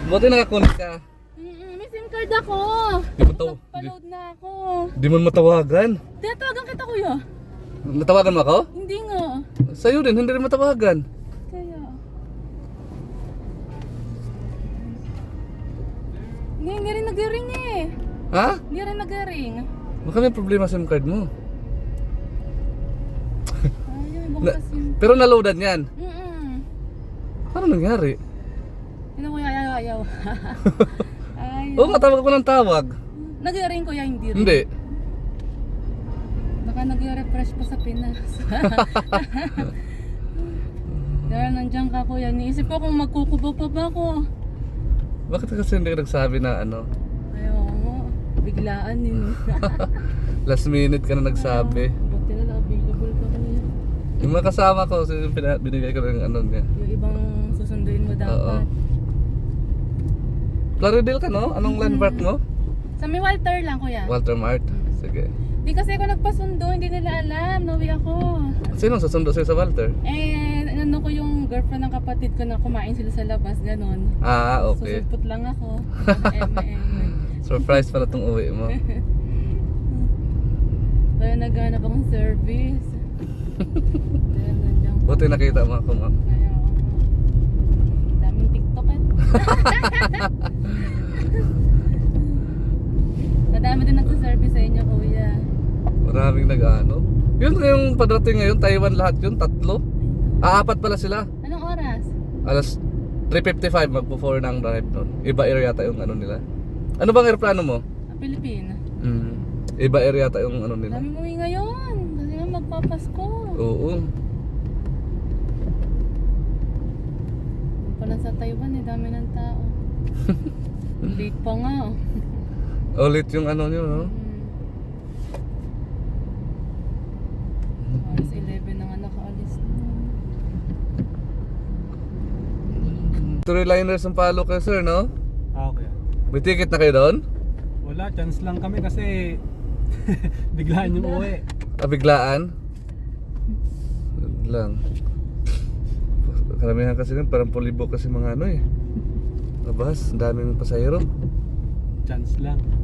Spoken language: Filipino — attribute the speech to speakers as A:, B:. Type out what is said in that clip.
A: Buti nakakunik ka.
B: May SIM card ako.
A: Di mo taw-
B: Paload na ako.
A: Di mo matawagan.
B: Tinatawagan kita kuya.
A: Natawagan mo ako?
B: Hindi nga.
A: Sa'yo din, hindi rin matawagan.
B: Kaya. Hindi rin nag-ring eh.
A: Ha?
B: Hindi rin nag-ring.
A: Baka may problema sa SIM card mo.
B: Ay, bukas yun.
A: Pero naloadan yan. Ano nangyari?
B: Hindi ko ayaw. Ay.
A: Oo, tawag ko ng tawag.
B: Nag-ring kuya, hindi rin.
A: Hindi.
B: Baka nag-refresh pa sa Pinas. Dahil nandiyan ka kuya, niisip ko kung magkukubaw pa ba ako.
A: Bakit kasi hindi ka nagsabi na ano?
B: Ayaw mo, biglaan yun.
A: Last minute ka na nagsabi.
B: Buti na available ka kuya.
A: Yung mga kasama ko, binigay ko ng ano niya.
B: Yung ibang susunduin mo
A: Oo.
B: dapat.
A: Plaridel ka no? Anong landmark mo?
B: Sa may Walter lang kuya.
A: Walter Mart. Sige.
B: Di kasi ako nagpasundo, hindi nila alam, nauwi ako.
A: Sino susundo sa'yo sa Walter?
B: Eh, ano ko yung girlfriend ng kapatid ko na kumain sila sa labas, ganon.
A: Ah, okay.
B: Susulpot lang ako.
A: Surprise pala tong uwi mo.
B: Kaya naghanap akong service. Kaya nandiyan ko.
A: Buti nakita mo ako, ma'am.
B: Kaya ako. Daming TikTok eh. Nadami din nagsaservice sa inyo kuya.
A: Maraming nag-ano. Yun yung padrating ngayon, Taiwan lahat yun, 3. Apat pala sila.
B: Anong oras?
A: Alas 3:55 magpo-4 ng drive nun. Iba area yata yung ano nila. Ano bang aeroplano mo?
B: Pilipina.
A: Iba area yata yung ano nila.
B: Dami umuwi ngayon. Kasi nga magpapasko.
A: Oo.
B: Doon pala sa Taiwan eh, dami ng tao. Late pa nga oh.
A: Ulit yung ano nyo, no?
B: Alas 11 na nga nakaalis na.
A: Three liners ang palo kayo, sir, no?
C: Okay.
A: May ticket na kayo doon?
C: Wala, chance lang kami kasi biglaan yung uwi.
A: Biglaan? Lang. Karamihan kasi nun, parang pulibo kasi mga ano eh. Labas, ang daming pasahero.
C: Chance lang.